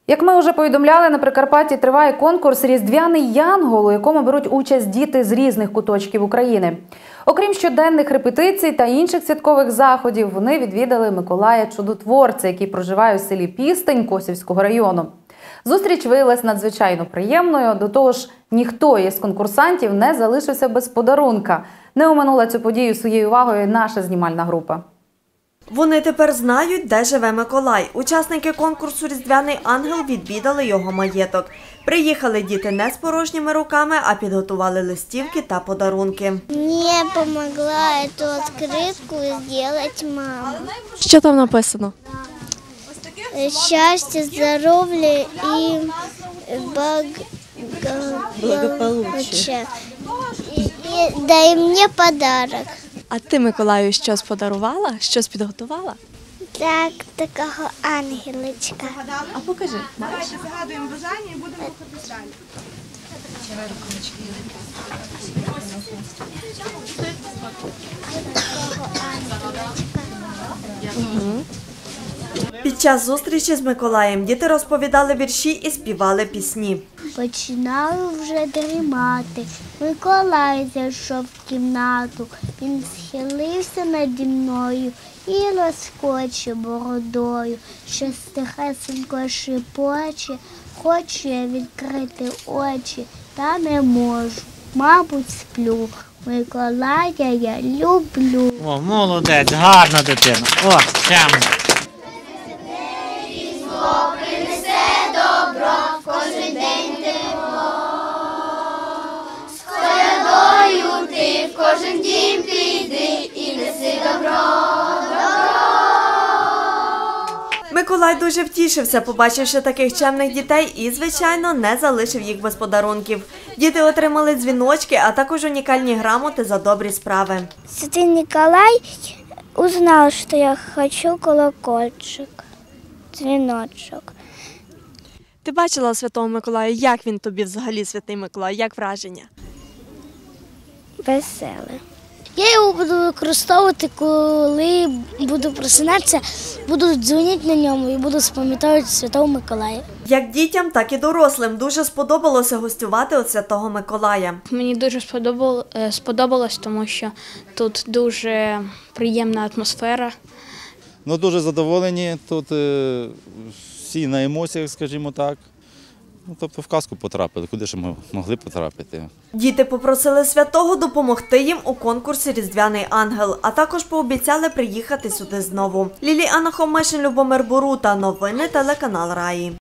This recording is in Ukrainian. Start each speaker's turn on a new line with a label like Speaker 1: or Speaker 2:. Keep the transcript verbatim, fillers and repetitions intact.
Speaker 1: Як ми вже повідомляли, на Прикарпатті триває конкурс «Різдвяний Янгол», у якому беруть участь діти з різних куточків України. Окрім щоденних репетицій та інших святкових заходів, вони відвідали Миколая Чудотворця, який проживає у селі Пістень Косівського району. Зустріч виявилась надзвичайно приємною, до того ж, ніхто із конкурсантів не залишився без подарунка. Не оминула цю подію своєю увагою наша знімальна група.
Speaker 2: Вони тепер знають, де живе Миколай. Учасники конкурсу «Різдвяний ангел» відвідали його маєток. Приїхали діти не з порожніми руками, а підготували листівки та подарунки.
Speaker 3: Мені допомогла цю відкритку зробити мама.
Speaker 4: Що там написано?
Speaker 3: Щастя, здоров'я і благополуччя. Дай мені подарок.
Speaker 4: А ти Миколаю щось подарувала? Щось підготувала?
Speaker 3: Так, такого ангелочка.
Speaker 4: А покажи.
Speaker 5: Давайте загадуємо бажання і будемо рухатись далі.
Speaker 2: Під час зустрічі з Миколаєм діти розповідали вірші і співали пісні.
Speaker 3: Починаю вже дрімати. Миколай зайшов в кімнату. Він схилився наді мною і розкоче бородою. Щось тихесенько шепоче. Хочу я відкрити очі, та не можу. Мабуть, сплю. Миколая я люблю.
Speaker 6: О, молодець, гарна дитина. О, прямо.
Speaker 3: Кожен дім піди і неси добро, добро.
Speaker 2: Миколай дуже втішився, побачивши таких чемних дітей і, звичайно, не залишив їх без подарунків. Діти отримали дзвіночки, а також унікальні грамоти за добрі справи.
Speaker 3: Святий Николай узнал, что я хочу колокольчик, дзвіночок.
Speaker 4: Ти бачила Святого Миколая? Як він тобі взагалі, Святий Миколай? Як враження?
Speaker 3: Веселе. Я його буду використовувати, коли буду просинатися, буду дзвонити на ньому і буду спам'ятати Святого Миколая.
Speaker 2: Як дітям, так і дорослим дуже сподобалося гостювати у Святого Миколая.
Speaker 7: Мені дуже сподобалось, тому що тут дуже приємна атмосфера.
Speaker 8: Ну, дуже задоволені, тут е, всі на емоціях, скажімо так. Ну, тобто в казку потрапили, куди ж ми могли потрапити.
Speaker 2: Діти попросили святого допомогти їм у конкурсі «Різдвяний ангел», а також пообіцяли приїхати сюди знову. Ліліана Хомишин, Любомир Борута. Новини телеканал Раї.